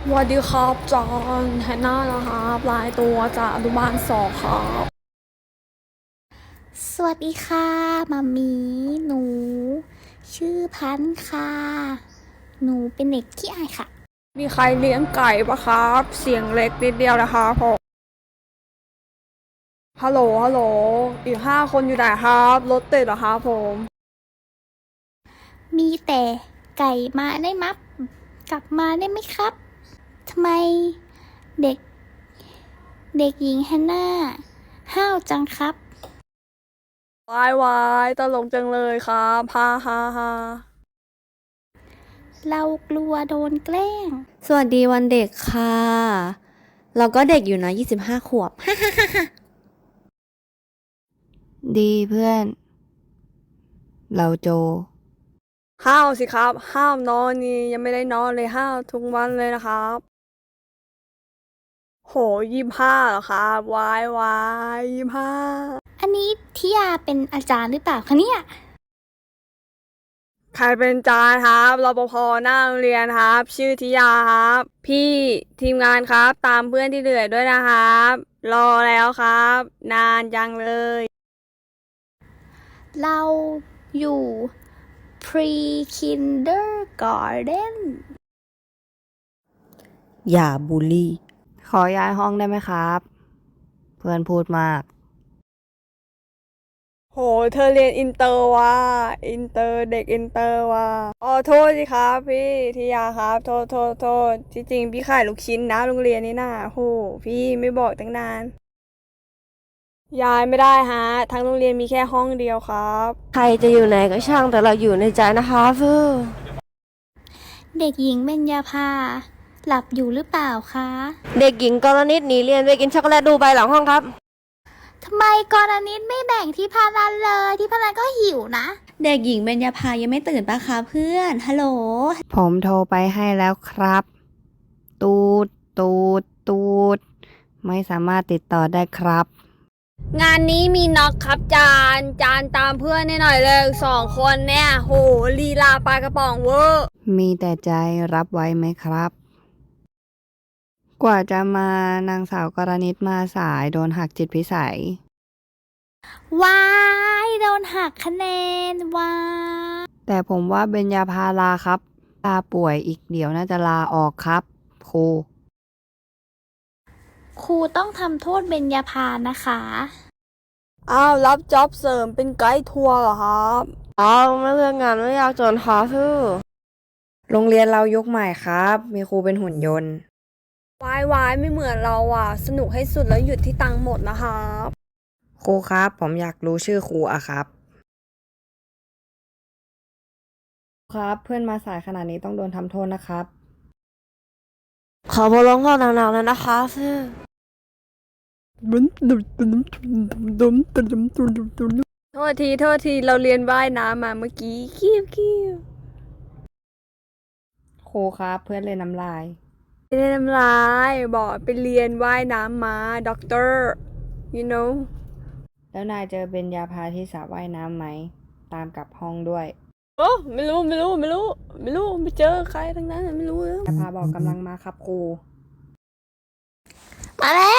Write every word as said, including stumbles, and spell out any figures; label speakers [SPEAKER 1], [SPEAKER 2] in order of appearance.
[SPEAKER 1] สวัสดีครับจอห์นแฮนนานะครับลายตัวจากอนุบาลสองครับ
[SPEAKER 2] สวัสดีค่ะมามีหนู ชื่อพันธุ์ค่ะ หนูเป็นเด็กขี้อายค่ะ
[SPEAKER 1] มีใครเลี้ยงไก่ปะครับเสียงเล็กนิดเดียวนะครับผมฮัลโหลฮัลโหลอีกห้าคนอยู่ไหนครับรถติดเหรอครับผม
[SPEAKER 2] มีแต่ไก่มาได้มับกลับมาได้ไหมครับทำไมเด็ก เด็กหญิงแฮนนาห้าวจังครับ
[SPEAKER 1] วายวายตลกจังเลยครับฮ่าฮ่าฮ่า
[SPEAKER 2] เรากลัวโดนแกล้ง
[SPEAKER 3] สวัสดีวันเด็กค่ะ เราก็เด็กอยู่นะยี่สิบห้าขวบ ดีเพื่อน เราโจ
[SPEAKER 1] ห้าวสิครับห้าวนอนนี่ยังไม่ได้นอนเลยห้าวทุกวันเลยนะครับโหยี่ห้าเหรอครับวายวายยี่ห้า
[SPEAKER 2] อันนี้ทิยาเป็นอาจารย์หรือเปล่าคะเนี่ย
[SPEAKER 1] ใครเป็นจานครับรปภหน้าโรงเรียนครับ ชื่อธิยาครับ พี่ทีมงานครับ ตามเพื่อนที่เหลือด้วยนะครับ รอแล้วครับ นานจังเลย
[SPEAKER 2] เราอยู่ pre kindergarten
[SPEAKER 3] อย่าบูลลี่ ขอย้ายห้องได้ไหมครับ เพื่อนพูดมาก
[SPEAKER 1] โห เธอเรียนอินเตอร์ว่ะอินเตอร์เด็กอินเตอร์ว่ะอ๋อโทษสิครับพี่ธิยาครับ โทษโทษโทษที่จริงพี่ขายลูกชิ้นนะโรงเรียนนี้น่ะโหพี่ไม่บอกตั้งนาน ย้ายไม่ได้ฮะ ทั้งโรงเรียนมีแค่ห้องเดียวครับ
[SPEAKER 3] ใครจะอยู่ไหนก็ช่างแต่เราอยู่ในใจนะคะเพื่อ
[SPEAKER 2] เด็กหญิงเบญญาภาหลับอยู่หรือเปล่าคะ
[SPEAKER 3] เด็กหญิงกรณิตหนีเรียนไปกินช็อกโกแลตดูใบหลังห้องครับ
[SPEAKER 2] ทำไมกรณิตไม่แบ่งที่พารันเลยที่พารันก็หิวนะ
[SPEAKER 3] เด็กหญิงเบญญาภายังไม่ตื่นปะคะเพื่อน ฮัลโหล ผมโทรไปให้แล้วครับ ตูด ตูด ตูด ไม่สามารถติดต่อได้ครับ
[SPEAKER 1] งานนี้มีน็อกครับจานจานตามเพื่อนให้หน่อยเลยสองคนเนี่ยโหลีลาปลากระป๋องเวอร์
[SPEAKER 3] มีแต่ใจรับไว้ไหมครับ กว่าจะมานางสาวกรณิตมาสายโดนหักจิตพิสัย
[SPEAKER 2] ว้ายโดนหักคะแนนว้าย
[SPEAKER 3] แต่ผมว่าเบญญาภาลาครับ ลาป่วยอีกเดี๋ยวน่าจะลาออกครับ ครู
[SPEAKER 2] ครูต้องทำโทษเบญญาภานะคะ
[SPEAKER 1] อ้าวรับจ็อบเสริมเป็นไกด์ทัวร์เหรอครับ
[SPEAKER 3] อ๋อไม่เลือกงานไม่อยากจนค่ะคือโรงเรียนเรายุคใหม่ครับ มีครูเป็นหุ่นยนต์
[SPEAKER 1] วายวายไม่เหมือนเราอ่ะ สนุกให้สุดแล้วหยุดที่ตังค์หมดนะครับ
[SPEAKER 3] ครูครับ ผมอยากรู้ชื่อครูอะครับ ครับ เพื่อนมาสายขนาดนี้ต้องโดนทำโทษนะครับ ขอบทลงโทษหนักๆเลยนะคะคือ
[SPEAKER 1] โทษทีโทษทีเราเรียนว่ายน้ำมาเมื่อกี้คิวคิว
[SPEAKER 3] ครูครับ เพื่อนเลยน้ำลาย
[SPEAKER 1] ไม่ได้ทำลายบอกไปเรียนว่ายน้ำมาด็อกเตอร์ you know
[SPEAKER 3] แล้วนายเจอเบญญาภาที่สระว่ายน้ำไหม ตามกลับห้องด้วย
[SPEAKER 1] โอ้ไม่รู้ไม่รู้ไม่รู้ ไม่รู้ไม่เจอใครทั้งนั้นไม่รู้เลย
[SPEAKER 3] เบญญาภาบอกกำลังมาครับครู
[SPEAKER 2] มาแล้